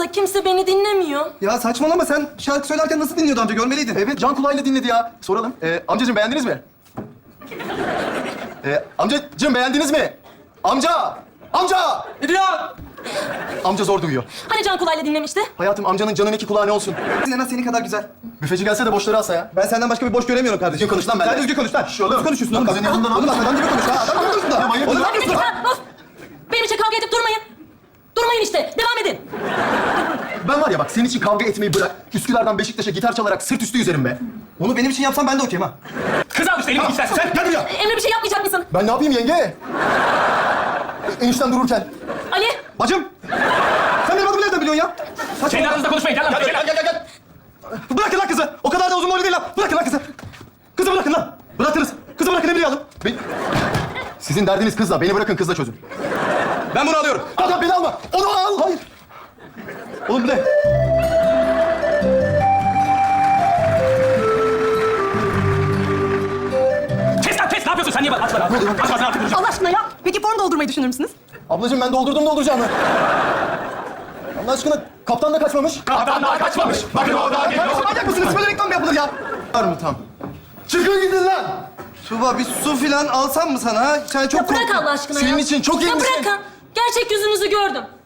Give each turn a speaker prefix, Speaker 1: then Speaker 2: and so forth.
Speaker 1: da kimse beni dinlemiyor.
Speaker 2: Ya saçmalama, sen şarkı söylerken nasıl dinliyordu amca, görmeliydin.
Speaker 3: Evet, can kulağıyla dinledi ya. Soralım. Amcacığım beğendiniz mi? Amcacığım beğendiniz mi? Amca! Amca!
Speaker 4: Ne diyor?
Speaker 3: Amca zor duyuyor.
Speaker 1: Hani Can Kulay'la dinlemişti?
Speaker 3: Hayatım, amcanın canın iki kulağı ne olsun?
Speaker 2: En az senin kadar güzel.
Speaker 3: Büfeci gelse de boşları alsa ya.
Speaker 2: Ben senden başka bir boş göremiyorum kardeşim.
Speaker 3: Düzgün konuş lan benimle.
Speaker 2: Sen düzgün konuş lan.
Speaker 3: Şş, oğlum.
Speaker 2: Nasıl konuşuyorsun oğlum?
Speaker 3: Bak, senin yanından
Speaker 2: Oğlum bak, adam gibi konuş ha. Adam gibi konuş da.
Speaker 3: manyak
Speaker 2: Oğlum ne
Speaker 3: mısın?
Speaker 1: Hadi
Speaker 2: yapıyorsun
Speaker 1: git
Speaker 2: lan?
Speaker 1: lan, of! Benim için kavga edip durmayın. Durmayın işte, devam edin.
Speaker 3: Ben var ya bak, senin için kavga etmeyi bırak. Üsküdar'dan Beşiktaş'a gitar çalarak sırt üstü yüzerim be.
Speaker 2: Onu benim için yapsan ben de okeyim ha.
Speaker 4: Kız al işte elini istersen sen.
Speaker 3: Gel buraya.
Speaker 1: Emre bir şey yapmayacak mısın?
Speaker 3: Ben ne yapayım yenge? Enişten dururken.
Speaker 1: Ali,
Speaker 2: Bacım! Sen benim adımı nereden biliyorsun ya?
Speaker 4: Kendi aranızda konuşmayın. Gel lan.
Speaker 3: Gel.
Speaker 2: Bırakın lan kızı. O kadar da uzun boylu değil lan. Bırakın lan kızı. Kızı bırakın lan. Bırakırız. Kızı bırakın, Emre'yi alın.
Speaker 3: Sizin derdiniz kızla. Beni bırakın, kızla çözün.
Speaker 2: Ben bunu alıyorum.
Speaker 3: Adam beni alma. Onu al. Hayır.
Speaker 2: Oğlum bu ne?
Speaker 4: Kes lan kes. Ne yapıyorsun sen? Niye bak? Aç lan. Aç ağzını artık.
Speaker 5: Allah aşkına ya. Peki form doldurmayı düşünür müsünüz?
Speaker 3: Ablacığım ben dolduracağımı. Allah aşkına kaptan da kaçmamış.
Speaker 4: Kaptan daha kaçmamış. Bakın o daha geliyor.
Speaker 2: Manyak mısınız? Böyle reklam mı yapılır ya?
Speaker 3: Var mı tam? Çıkın gidin lan.
Speaker 2: Tuba, bir su filan alsam mı sana ha? Sen çok
Speaker 1: ya bırak
Speaker 2: korktun.
Speaker 1: Allah aşkına ya.
Speaker 3: Senin için çok iyi
Speaker 1: Ya
Speaker 3: misin?
Speaker 1: bırakın. Gerçek yüzünüzü gördüm.